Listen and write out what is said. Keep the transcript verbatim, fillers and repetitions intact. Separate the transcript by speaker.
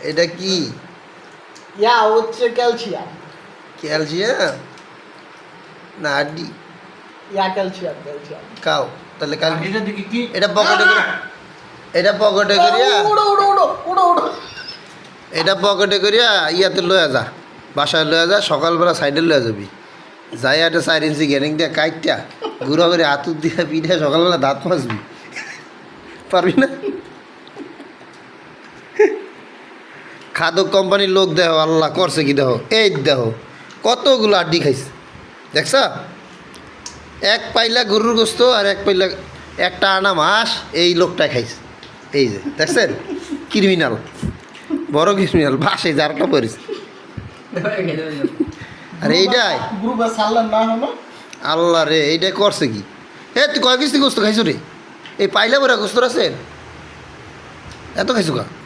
Speaker 1: এটা কি
Speaker 2: ইয়া হচ্ছে ক্যালসিয়াম।
Speaker 1: ক্যালসিয়াম না আড্ডি
Speaker 2: ইয়া ক্যালসিয়াম ক্যালসিয়াম।
Speaker 1: খাও তাহলে কাল
Speaker 3: এটা দেখি কি
Speaker 1: এটা পকেটে করে এটা পকেটে করিয়া
Speaker 2: উড়ো উড়ো উড়ো উড়ো উড়ো।
Speaker 1: এটা পকেটে করিয়া ইয়াতে লয়া যা বাসায় লয়া যা সকালবেলা সাইডে লয়া যাবি যাই একটা চার ইঞ্চি গ্যারিং দিয়া কাইটটা গুঁড়ো করে হাতুর দিয়া পিঠে সকালবেলা দাঁত মাজবি পারবি না খাদক কোম্পানির লোক দেহ আল্লাহ করছে কি দেহ এই দেহ কতগুলো আড্ডি খাইছে দেখছ এক পাইলা গরুর গোস্ত আর এক পাইলা একটা আনা মাস এই লোকটা খাইছে এই যে দেখছেন ক্রিমিনাল বড় ক্রিমিনাল বাসে যারটা পড়েছে আর এইটাই
Speaker 2: গ্রুপে সারলেন না হলো।
Speaker 1: আল্লাহ রে এইটাই করছে কি এ তুই কয় কিস্তি গোস্ত খাইছো রে এই পাইলা বড় গোস্ত আছে এত খাইছো কা